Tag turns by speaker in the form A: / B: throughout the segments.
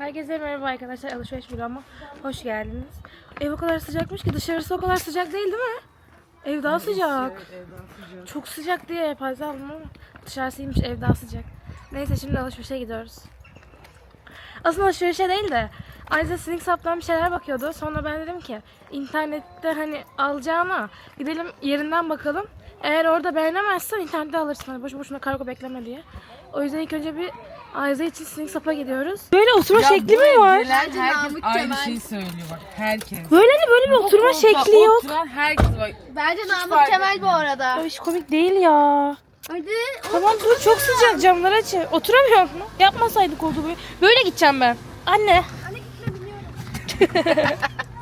A: Herkese merhaba arkadaşlar, alışveriş vloguma hoş geldiniz. Ev o kadar sıcakmış ki dışarısı o kadar sıcak değil mi? Ev daha sıcak. Çok sıcak diye fazla aldım ama dışarısıymış, ev daha sıcak. Neyse şimdi alışverişe gidiyoruz. Aslında alışverişe değil de Ayza Slingsup'tan bir şeyler bakıyordu. Sonra ben dedim ki internette hani alacağına gidelim yerinden bakalım. Eğer orada beğenemezsen internette alırsın. Hani boşu boşuna kargo bekleme diye. O yüzden ilk önce bir Ayza için Slingsup'a gidiyoruz. Böyle oturma şekli mi var?
B: Herkes aynı şeyi söylüyor bak. Herkes.
A: Böyle bir oturma şekli yok.
B: Oturan herkes bak.
C: Bence Namık Kemal bu arada.
A: Hiç komik değil ya.
C: Hadi.
A: Tamam dur, çok sıcak, camları aç. Oturamıyor mu? Yapmasaydık oldu böyle. Böyle gideceğim ben. Anne.
C: Anne gitme biliyorum.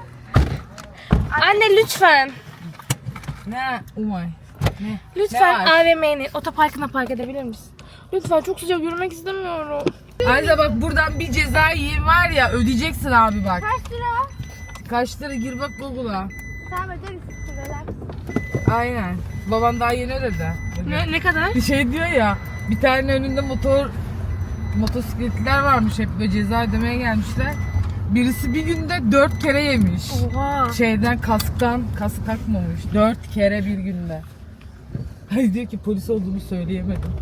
A: Anne lütfen.
B: Ne? Umay. Ne?
A: Lütfen
B: Ne var?
A: AVM'nin otoparkına park edebilir misin? Lütfen, çok sıcak, yürümek istemiyorum.
B: Ayrıca bak buradan bir ceza yiyin var ya, ödeyeceksin abi bak.
C: Kaç lira?
B: Kaç lira gir bak Google'a.
C: Tamam öderiz. Relax.
B: Aynen. Babam daha yeni ödedi.
A: Ne kadar?
B: Bir şey diyor ya, bir tane önünde motosikletliler varmış, hep böyle ceza ödemeye gelmişler. Birisi bir günde 4 kere yemiş.
A: Oha.
B: Şeyden kask takmamış. 4 kere bir günde. Hayır diyor ki polis olduğunu söyleyemedim.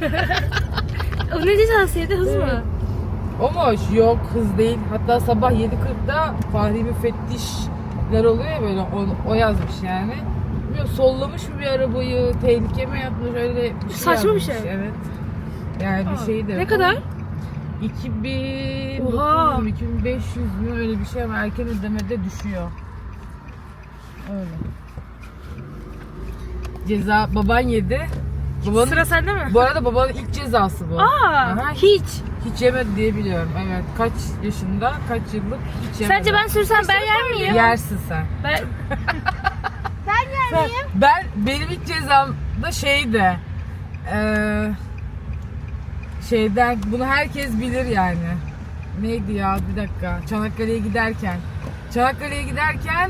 A: O ne cezası yedi, hız mı?
B: Ama yok, hız değil. Hatta sabah 7.40'da Fahri müfettişler oluyor ya böyle, o yazmış yani. Bilmiyorum, sollamış mı bir arabayı, tehlike mi yapmış, öyle bir şey
A: Saçma bir
B: yazmış.
A: şey.
B: Evet. Yani bir şey de.
A: Ne kadar?
B: 2900
A: Oha.
B: mü 2500 mü öyle bir şey ama erken ödemede düşüyor. Öyle. Ceza baban yedi. Babanın,
A: Sıra sende mi?
B: bu arada babanın ilk cezası bu.
A: Aa,
B: Aha,
A: hiç.
B: hiç yemedi diye biliyorum. Evet. Kaç yaşında, kaç yıllık hiç yemedi.
A: Sence ben sürsem ben yer miyim?
B: Yersin sen.
A: Ben...
B: Benim ilk cezam da şeydi. Şeyden, bunu herkes bilir yani. Neydi ya, bir dakika. Çanakkale'ye giderken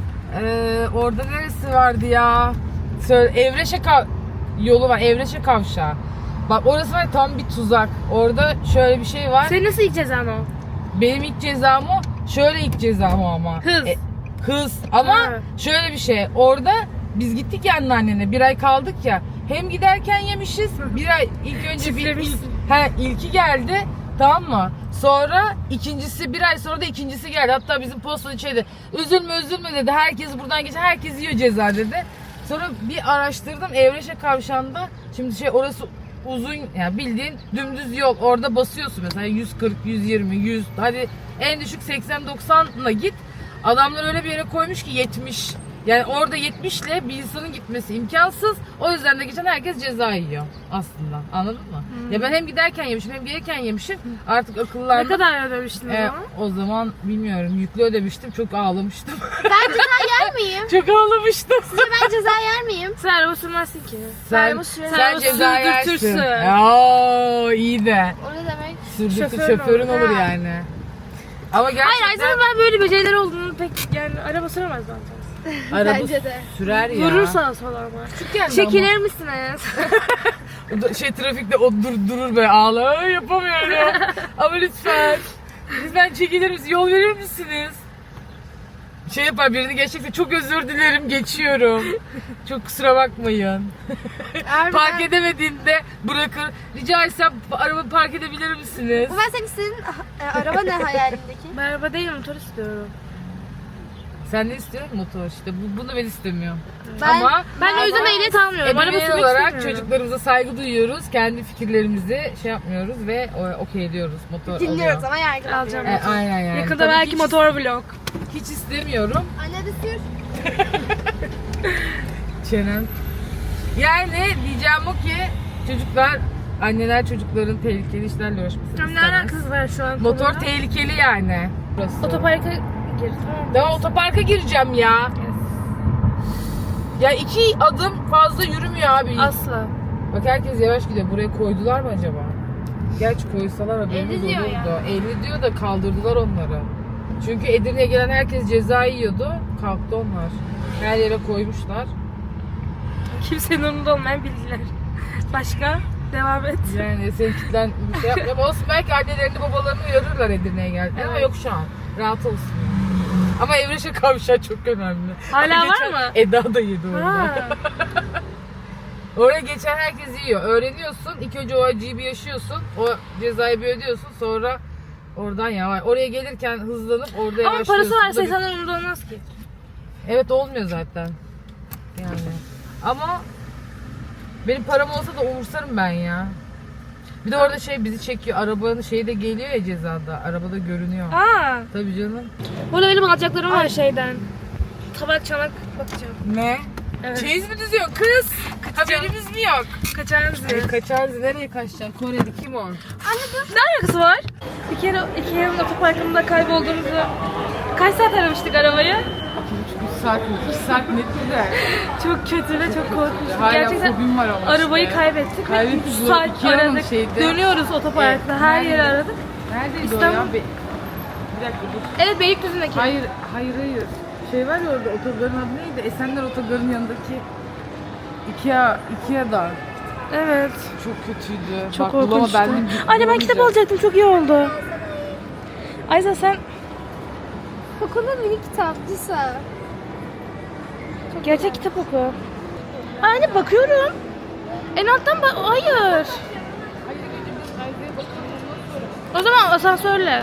B: orada neresi vardı ya? Evreşe yolu var. Evreşe kavşağı. Bak orası var, tam bir tuzak. Orada şöyle bir şey var.
A: Senin nasıl ilk cezan o?
B: Benim ilk cezam o. Şöyle ilk cezam o ama.
A: Hız.
B: Hız. Ama
A: Ha.
B: şöyle bir şey. Orada biz gittik ya anneannene. Bir ay kaldık ya. Hem giderken yemişiz. Bir ay ilk önce
A: Çiftlemişsin.
B: ilki geldi. Tamam mı? Sonra ikincisi, bir ay sonra da ikincisi geldi. Hatta bizim postacı şeydi. Üzülme dedi. Herkes buradan geçer. Herkes yiyor ceza dedi. Sonra bir araştırdım. Evreşe kavşağında. Şimdi orası uzun, yani bildiğin dümdüz yol. Orada basıyorsun mesela 140, 120, 100. Hadi en düşük 80-90'la git. Adamlar öyle bir yere koymuş ki 70. Yani orada 70 ile bir insanın gitmesi imkansız. O yüzden de geçen herkes ceza yiyor aslında. Anladın mı? Ya ben hem giderken yemişim hem gelirken yemişim. Artık akıllandım.
A: Ne kadar ödemiştin o zaman?
B: O zaman bilmiyorum. Yüklü ödemiştim. Çok ağlamıştım.
C: Ben ceza yer miyim?
B: Çok ağlamıştım.
C: Sizce ben ceza yer miyim?
A: Sen araba sürmezsin ki.
B: Sen ceza yersin.
A: sürdürtürsün.
B: Oo, iyi de.
C: O ne demek?
B: Şoförün olur
A: Ha.
B: yani. Ama gerçekten
A: Hayır, Ayza'nın ben böyle becerileri olduğunu pek yani araba süremez zaten.
B: araba
C: Bence de.
B: sürer ya.
A: Vurur sağa sola ama.
B: Yani
A: Çekilir misiniz?
B: ama trafikte o durur böyle ağlar. Yapamıyorum. Ama lütfen. Lütfen çekilir misiniz? Yol verir misiniz? Şey yapar, birini geçecekse çok özür dilerim, geçiyorum. Çok kusura bakmayın. Park edemediğinde bırakır. Rica etsem araba park edebilir misiniz?
C: Bu ben senin araba ne hayalindeki?
A: Ben araba değil, motor istiyorum.
B: Sen ne istiyorsun? Motor işte. Bunu ben istemiyorum.
C: Ben-
A: Ben o yüzden ehliyet almıyorum. Araba
B: Ebeveyn
A: sürmek
B: olarak
A: istemiyorum.
B: çocuklarımıza saygı duyuyoruz. Kendi fikirlerimizi şey yapmıyoruz ve okey diyoruz. Motor
C: Dinliyoruz
B: alıyor.
C: ama yargılamıyoruz.
A: Alacağım.
B: Aynen yani.
A: Yakında
B: Tabii
A: belki
B: hiç,
A: motor vlog.
B: hiç istemiyorum.
C: Anne de sür.
B: Çenem. Yani diyeceğim o ki çocuklar, anneler çocukların tehlikeli işlerle uğraşmasını
A: Ne
B: istemez.
A: alakası var şu an
B: Motor
A: konuyla?
B: tehlikeli yani. Burası.
A: Otoparka gir, tamam mı?
B: Daha otoparka gireceğim ya. Ya 2 adım fazla yürümüyor abi.
A: Asla.
B: Bak herkes yavaş gidiyor. Buraya koydular mı acaba? Gerçi koysalar haberimiz
C: 50 diyor
B: olurdu. 50 diyor da kaldırdılar onları. Çünkü Edirne'ye gelen herkes ceza yiyordu. Kalktı onlar. Her yere koymuşlar.
A: Kimsenin umurunda olmayan bilgiler. Başka? Devam et.
B: Yani seninkinden bir şey yapmıyorum. Olsun belki annelerini babalarını uyarırlar Edirne'ye geldi. Ama yok şu an. Rahat olsun. Ama Evreş'e kavşağı çok önemli.
A: Hala var
B: Geçen
A: mı?
B: Eda da yedi orada.
A: Ha.
B: Oraya geçen herkes yiyor. Öğreniyorsun. İlk önce o acıyı bir yaşıyorsun. O cezayı bir ödüyorsun. Sonra oradan yavaş. Oraya gelirken hızlanıp orada
A: Ama
B: yavaşlıyorsun.
A: parası varsa
B: Bu da bir-
A: insanlar umurda olmaz ki.
B: Evet olmuyor zaten. Yani. Ama benim param olsa da umursarım ben ya. Bir de orada şey bizi çekiyor. Arabanın şeyi de geliyor ya cezada. Arabada görünüyor.
A: Aa.
B: Tabii canım.
A: Burada benim alacaklarım var şeyden. Tabak çanak bakacağım.
B: Ne?
A: Evet.
B: Çeyiz mi düzüyor kız? Haberimiz mi yok?
A: Kaçarız diye.
B: Kaçarız. Nereye kaçacaksın? Kore'de kim o?
A: Ne alakası var? Bir kere Ikea'nın otoparkında kaybolduğumuzu... Kaç saat aramıştık arabayı?
B: 3 saat mi? 2 saat net güzel.
A: Çok kötü ve çok korkunç.
B: Hala
A: Gerçekten
B: fobim var ama
A: arabayı
B: işte.
A: kaybettik.
B: Kaybettik.
A: 3 saat
B: Ikea'nın
A: aradık.
B: şeyde.
A: Dönüyoruz otoparkta.
B: Evet,
A: Her yeri
B: nerede?
A: aradık.
B: Neredeydi
A: İstanbul.
B: o ya? Bir dakika dur.
A: Evet Beylikdüzü'ndeki.
B: Hayır. Şey var ya orada otogarın adı neydi? Esenler Otogarı'nın yanındaki Ikea'da.
A: Evet.
B: Çok kötüydü.
A: Çok
B: Bak,
A: korkunçtu.
B: bulamadım.
A: Anne ben kitap alacaktım. Çok iyi oldu. Ayza sen
C: Kokulu mini kitapçısı.
A: gerçek kitap oku. Anne bakıyorum. En alttan bak. Hayır. O zaman asansörle.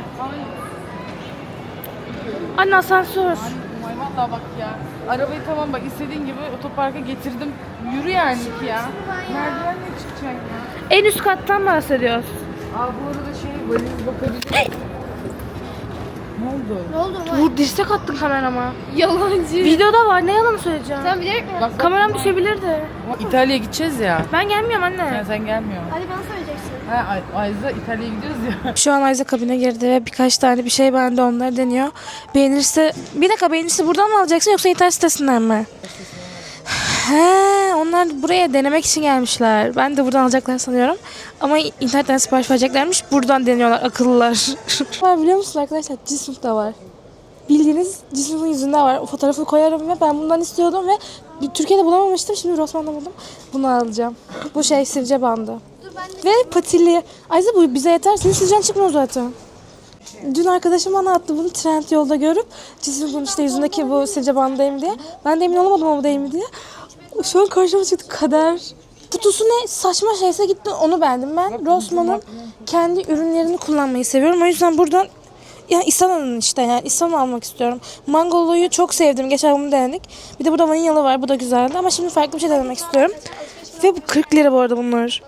A: Anne asansör.
B: Ay vallahi bak ya. Arabayı tamam bak istediğin gibi otoparka getirdim. Yürü yani ki ya. Merdivenle çıkacaksın ya.
A: En üst kattan bahsediyoruz.
B: Aa bu arada şey valiz bakabilir. Ne oldu?
C: Ne oldu lan?
A: Vur dirsek attın kamerama.
C: Yalancı.
A: Videoda var ne yalan söyleyeceğim.
C: Sen bilerek mi?
B: Bak,
A: Kameram düşebilirdi.
B: İtalya'ya gideceğiz ya.
A: Ben gelmiyorum anne.
B: Sen gelmiyorsun.
C: Hadi bana söyleyeceksin.
B: Ha Ayza İtalya'ya gidiyoruz ya.
A: Şu an Ayza kabine girdi ve birkaç tane bir şey bende onları deniyor. Beğenirse... Bir dakika beğenirse buradan mı alacaksın yoksa internet sitesinden mi? He, onlar buraya denemek için gelmişler. Ben de buradan alacaklar sanıyorum. Ama internetten sipariş vereceklermiş. Buradan deniyorlar akıllılar. Var biliyor musun arkadaşlar? Cismuk da var. Bildiğiniz Cismuk'un yüzünde var. O fotoğrafı koyarım ve ben bundan istiyordum ve Türkiye'de bulamamıştım. Şimdi Rossmann'da buldum. Bunu alacağım. Bu şey sivrice bandı. Ve patili. Ayza bu bize yeter. Senin sivilcen çıkmıyor zaten. Dün arkadaşım bana attı bunu Trendyol'da görüp Cismuk'un işte yüzündeki bu sivilce bandayım diye. Ben de emin olamadım ama bu değil mi diye. Şu an karşıma çıktı kader. Kutusu ne saçma şeyse gittim onu beğendim ben. Rossmann'ın kendi ürünlerini kullanmayı seviyorum. O yüzden buradan yani İsana'nın işte yani İsana almak istiyorum. Mangolu'yu çok sevdim. Geçen bunu denedik. Bir de burada vanilyalı var. Bu da güzeldi ama şimdi farklı bir şey denemek istiyorum. Ve bu 40 lira bu arada bunlar.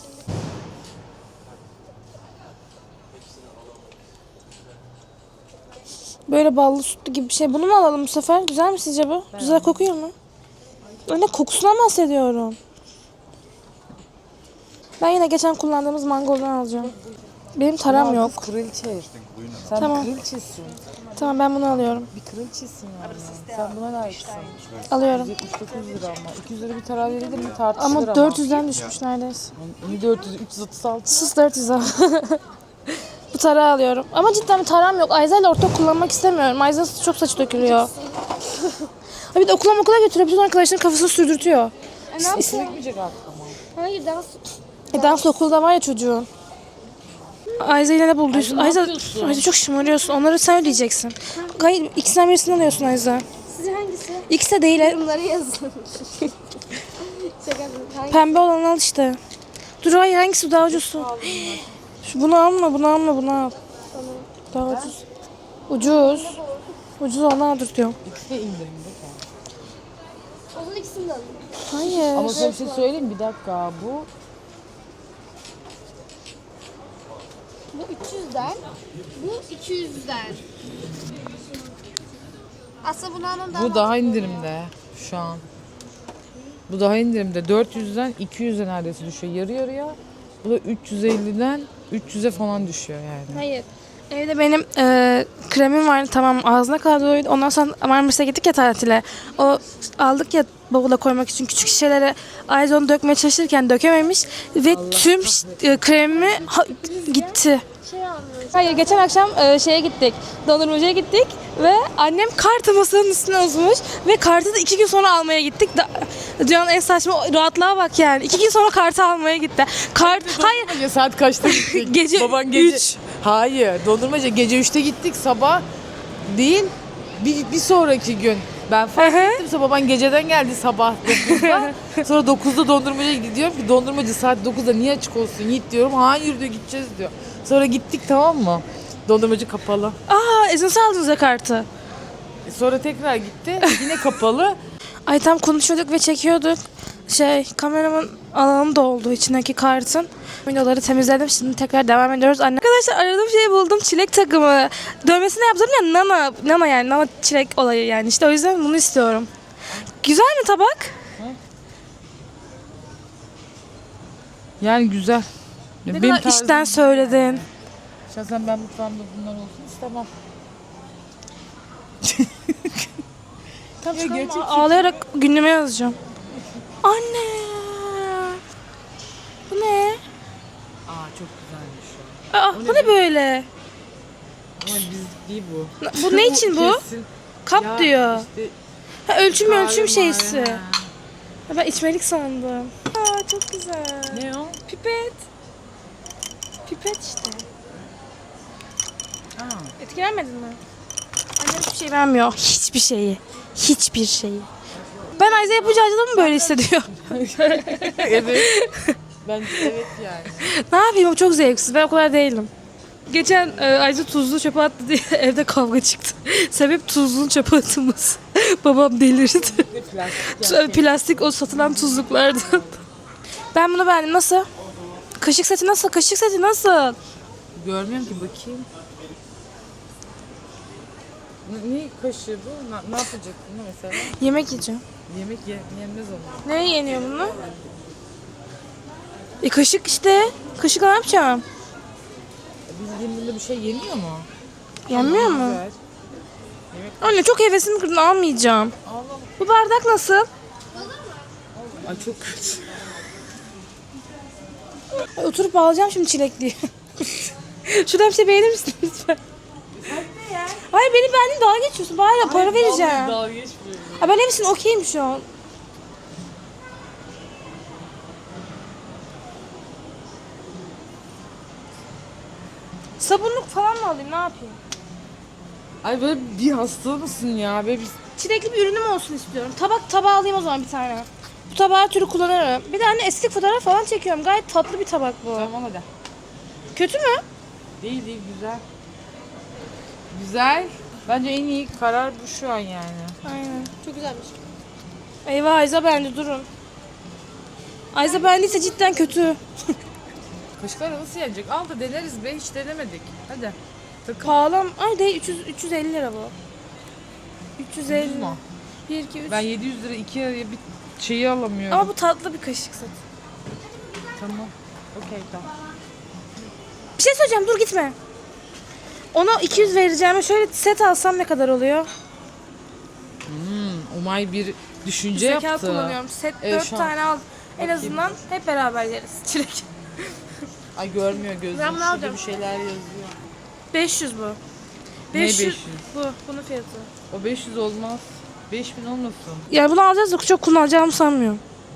A: Böyle ballı sütlü gibi bir şey. Bunu mu alalım bu sefer? Güzel mi sizce bu? Güzel kokuyor mu? Öyle kokusundan bahsediyorum. Ben yine geçen kullandığımız mangoldan alacağım. Benim taram yok.
B: Kraliçe. Sen
A: Tamam.
B: bir kraliçesin.
A: Tamam ben bunu alıyorum.
B: Bir kraliçesin yani. Sen buna layıksın.
A: Alıyorum.
B: 79 lira ama. 200 lira bir tarar verilir mi tartışılır
A: Ama 400'den düşmüş neredeyse.
B: Ne 400? 336.
A: Sus 400 al. Bu tarağı alıyorum. Ama cidden bir taram yok. Ayza ile ortak kullanmak istemiyorum. Ayza'nın çok saçı dökülüyor. Ha bir de okula götürüyor. Bütün arkadaşların kafasını sürdürtüyor.
C: Ne yapayım?
B: Gitmeyecek artık ama.
C: Hayır dans.
A: Dans okulda var ya çocuğun. Ayza ile ne bulduysun?
B: ne
A: Ayza
B: yapıyorsun?
A: çok şımarıyorsun. Onları sen ödeyeceksin. Hayır ikisinden birisini alıyorsun Ayza.
C: Sizce hangisi?
A: İkisi de değil.
C: Bunları yazın. Şaka yapıyorum. Hangi?
A: Pembe olanı al işte. Dur hayır hangisi bu daha ucuz? Bunu alma bunu al. Daha ucuz. Ucuz. Ucuz onu aldır diyorum.
B: İkisi de indirimde.
C: O zaman ikisini de alın.
A: Hayır.
B: Ama sana bir şey söyleyeyim mi? Bir dakika bu.
C: Bu 300'den. Bu 200'den. Aslında bunu almam daha
B: Bu daha indirimde şu an. Bu daha indirimde. 400'den 200'e neredeyse düşüyor. Yarı yarıya. Bu da 350'den 300'e falan düşüyor yani.
A: Hayır. Evde benim kremim vardı tamam ağzına kadar doluydu. Ondan sonra Marmaris'e gittik ya tatile. O aldık ya bavula koymak için küçük şişelere Ayza onu dökmeye çalışırken dökememiş ve tüm kremi gitti. Hayır, geçen akşam şeye gittik, dondurmacıya gittik ve annem kartı masanın üstüne uzmuş ve kartı da 2 gün sonra almaya gittik. Dünyanın en saçma rahatlığa bak yani. 2 gün sonra kartı almaya gitti. Hayır.
B: Saat kaçta gittik?
A: Gece
B: Baban
A: 3.
B: Hayır, dondurmacı gece 3'te gittik, sabah değil bir sonraki gün. Ben fark ettim, baban geceden geldi sabah 9'da. Sonra 9'da dondurmacıya gidiyorum ki dondurmacı saat 9'da niye açık olsun Yiğit diyorum. Hayır diyor, gideceğiz diyor. Sonra gittik, tamam mı? Dondurmacı kapalı.
A: Nasıl aldınız ya kartı?
B: Sonra tekrar gitti, yine kapalı.
A: Ay tam konuşuyorduk ve çekiyorduk. Kameramın alanı doldu içindeki kartın. Videoları temizledim. Şimdi tekrar devam ediyoruz. Arkadaşlar aradığım şeyi buldum. Çilek takımı. Dövmesini yaptım ya, Nana yani. Nana çilek olayı yani. İşte o yüzden bunu istiyorum. Güzel mi tabak?
B: Yani güzel.
A: Ne kadar işten söyledin.
B: Şahsen ben mutfağımda bunlar olsun istemem.
A: Tam ağlayarak günlüğüme yazacağım. Anne. Bu ne?
B: Çok güzelmiş o.
A: Bu ne böyle?
B: Ama bizlik değil bu.
A: Bu ne için bu?
B: Kesin.
A: Kap
B: Ya
A: diyor.
B: işte
A: Ölçüm
B: kahve
A: şeysi.
B: mavi.
A: Ben içmelik sandım. Çok güzel.
B: Ne o?
A: Pipet. Pipet işte.
B: Aa.
A: Etkilenmedin mi? Annem hiçbir şey vermiyor. Hiçbir şeyi. Hiçbir şeyi. Ben Ayza yapınca Ayza da mı böyle hissediyor?
B: Evet. Bence evet yani.
A: Ne yapayım, o çok zevksiz. Ben o kadar değilim. Geçen Ayza tuzlu çöpe attı diye evde kavga çıktı. Sebep tuzluğun çöpe atılması. Babam delirdi. Plastik o satılan tuzluklardan. Ben bunu beğendim. Nasıl? Kaşık seti nasıl? Kaşık seti nasıl?
B: Görmüyorum ki, bakayım. Ne kaşığı bu? Ne yapacak bunu mesela?
A: Yemek yiyeceğim.
B: Yemek yenmez onu.
A: Ne yeniyor bunu? Kaşık işte. Kaşıkla ne yapacağım?
B: Bildiğin bunda bir şey yeniyor mu?
A: Yenmiyor mu?
B: Güzel.
A: Anne çok hevesimi kırdın, almayacağım.
B: Allah.
A: Bu bardak nasıl?
B: Ay çok kötü.
A: Ay, oturup alacağım şimdi çilekliği. Şuradan bir şey beğenir misin lütfen? Hayır, beni beğendin, dalga geçiyorsun. Bari para vereceğim.
B: Dalga geçmiyorum.
A: Ben hepsini okeyim şu an. Sabunluk falan mı alayım, ne yapayım?
B: Ay böyle bir hasta mısın ya? Böyle bir...
A: Çilekli bir ürünüm olsun istiyorum. Tabağı alayım o zaman bir tane. Bu tabağı her türlü kullanırım. Bir de anne estetik fotoğraf falan çekiyorum. Gayet tatlı bir tabak bu.
B: Tamam hadi.
A: Kötü mü?
B: Değil güzel. Güzel. Bence en iyi karar bu şu an yani.
A: Aynen. Çok güzelmiş. Eyvah, Ayza beğendi, durun. Ayza beğendiyse cidden kötü.
B: Kaşıklar nasıl yenecek? Al da deneriz be, hiç denemedik. Hadi. Takıl.
A: Pahalı. Ay değil, 350 lira bu. 350.
B: Ucuz mu?
A: 1, 2, 3.
B: Ben 700 lira 2 araya bir şeyi alamıyorum.
A: Ama bu tatlı bir kaşık seti.
B: Tamam. Okey tamam.
A: Bir şey söyleyeceğim, dur gitme. Ona 200 vereceğime şöyle set alsam ne kadar oluyor?
B: Umay bir düşünce
A: Zeka
B: yaptı.
A: kullanıyorum. Set
B: Evet,
A: 4
B: şu an.
A: tane al. En
B: Bakayım.
A: azından hep beraber yeriz. Çilek.
B: Ay görmüyor gözüm.
A: Ben bunu
B: Şurada
A: alacağım.
B: bir şeyler yazıyor.
A: 500 bu.
B: Ne 500?
A: Bu. Bunun fiyatı.
B: O 500 olmaz. 5000 olmasın.
A: Yani bunu alacağız da çok kullanacağımı sanmıyorum.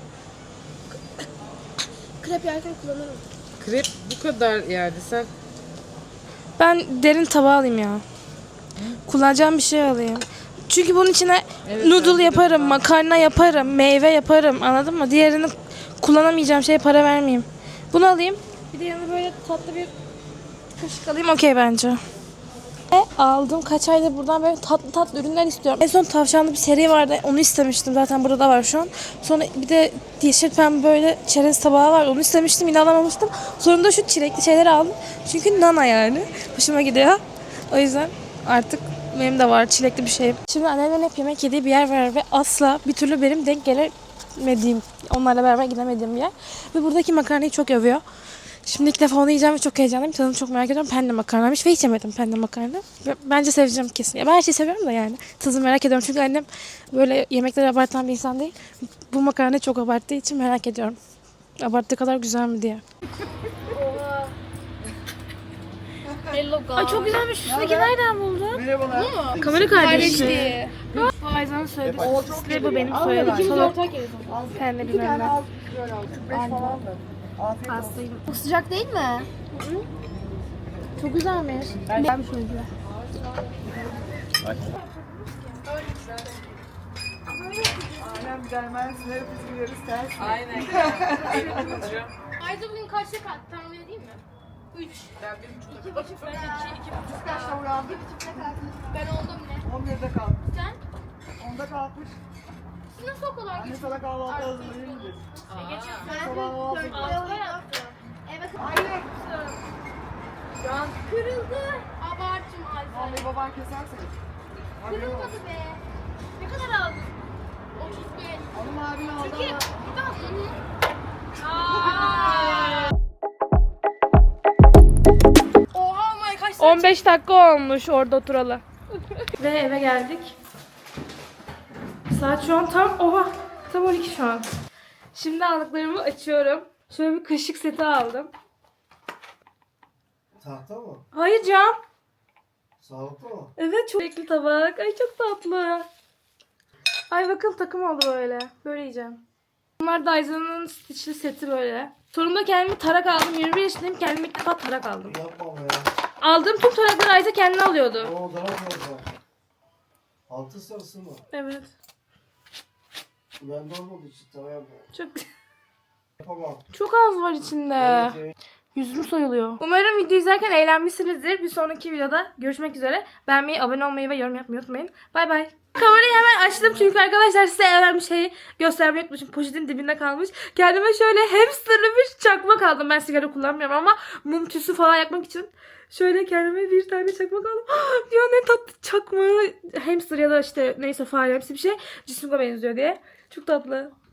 A: Krep yerken kullanırım.
B: Krep bu kadar yani sen.
A: Ben derin tabağı alayım ya. Kullanacağım bir şey alayım. Çünkü bunun içine
B: Evet, bence
A: noodle
B: de
A: yaparım,
B: güzel.
A: makarna yaparım, meyve yaparım. Anladın mı? Diğerini kullanamayacağım şeye para vermeyeyim. Bunu alayım. Bir de yanına böyle tatlı bir kaşık alayım. Okey bence. Aldım. Kaç aydır buradan böyle tatlı ürünler istiyorum. En son tavşanlı bir seri vardı. Onu istemiştim. Zaten burada da var şu an. Sonra bir de yeşil pembe böyle çerez tabağı var. Onu istemiştim. Yine alamamıştım. Sonunda şu çilekli şeyleri aldım. Çünkü nana yani. Hoşuma gidiyor. O yüzden artık benim de var çilekli bir şey. Şimdi annemlerin hep yemek yediği bir yer var ve asla bir türlü benim denk gelemediğim, onlarla beraber gidemediğim bir yer. Ve buradaki makarnayı çok övüyor. Şimdi ilk defa onu yiyeceğim ve çok heyecanlıyım. Tadını çok merak ediyorum. Penne makarnaymış ve hiç yemedim penne makarna. Bence seveceğim kesin. Ya ben her şeyi seviyorum da yani. Tadını merak ediyorum çünkü annem böyle yemekleri abartan bir insan değil. Bu makarnayı çok abarttığı için merak ediyorum. Abarttığı kadar güzel mi diye.
C: Hello God.
A: Ay çok güzelmiş. Üstündeki nereden buldun?
D: Merhabalar.
A: Kamera kardeşi.
C: Kardeşliği.
A: Bu Ayza'nın söylediği. Size bu benim söylediğim. Salon penne bilmem ne.
D: Böyle al. 45 falan da. Afiyet olsun.
C: Çok sıcak değil mi?
A: Çok güzelmiş. Güzelmiş o yüzden.
D: Aynen gelmez. Nereye gidiyoruz ters.
B: Aynen.
C: Ayda bugün kaçta kalktı? Tahmin edeyim mi? 3.
B: Ben 1,5 ben 2,5.
D: Kaçta uyandı?
C: 2.30'da kalktım. Ben oldum ne?
D: 11'de kalktı.
C: Sen?
D: 10'da kalkmış.
C: Siz nasıl o kadar
D: Anne sana kahvaltı hazırlayayım dedi.
C: Ben
D: Sabah kahvaltı.
C: 4'te yaptım. Evet.
D: Hayır.
C: Şu an kırıldı. Abartım Ayda.
D: Vallahi baban keserse.
C: Kırılmadı be. Ne kadar aldın? 35.
D: Onun abini aldı
C: Türkiye.
D: ama.
C: Bir daha mı?
A: 15 dakika olmuş orada oturalı. Ve eve geldik. Saat şu an tam 12 şu an. Şimdi aldıklarımı açıyorum. Şöyle bir kaşık seti aldım.
D: Tahta mı?
A: Hayır cam.
D: Sağlıklı mı?
A: Evet çok renkli tabak. Ay çok tatlı. Ay bakın takım oldu böyle. Böyle yiyeceğim. Bunlar Dyson'ın stitchli seti böyle. Sonunda kendime tarak aldım. 21 yaşındayım, kendime ilk defa tarak aldım.
D: Yapma be.
A: Aldığım tüm tarakları Ayza kendine alıyordu.
D: O daha fazla. Altı sarısı mı?
A: Evet.
D: Ben de olmadı için tamam.
A: Çok
D: Yapamam.
A: çok az var içinde.
D: Evet.
A: Yüzüm soyuluyor. Umarım video izlerken eğlenmişsinizdir. Bir sonraki videoda görüşmek üzere. Beğenmeyi, abone olmayı ve yorum yapmayı unutmayın. Bay bay. Kamerayı hemen açtım çünkü arkadaşlar size en önemli şeyi göstermeyi unutmuşum. Poşetin dibinde kalmış. Kendime şöyle hamsterlı bir çakmak aldım. Ben sigara kullanmıyorum ama mum tüsü falan yakmak için şöyle kendime bir tane çakmak aldım. Ya ne tatlı çakmağı. Hamster ya da işte neyse fare hepsi bir şey. Cismuga benziyor diye. Çok tatlı.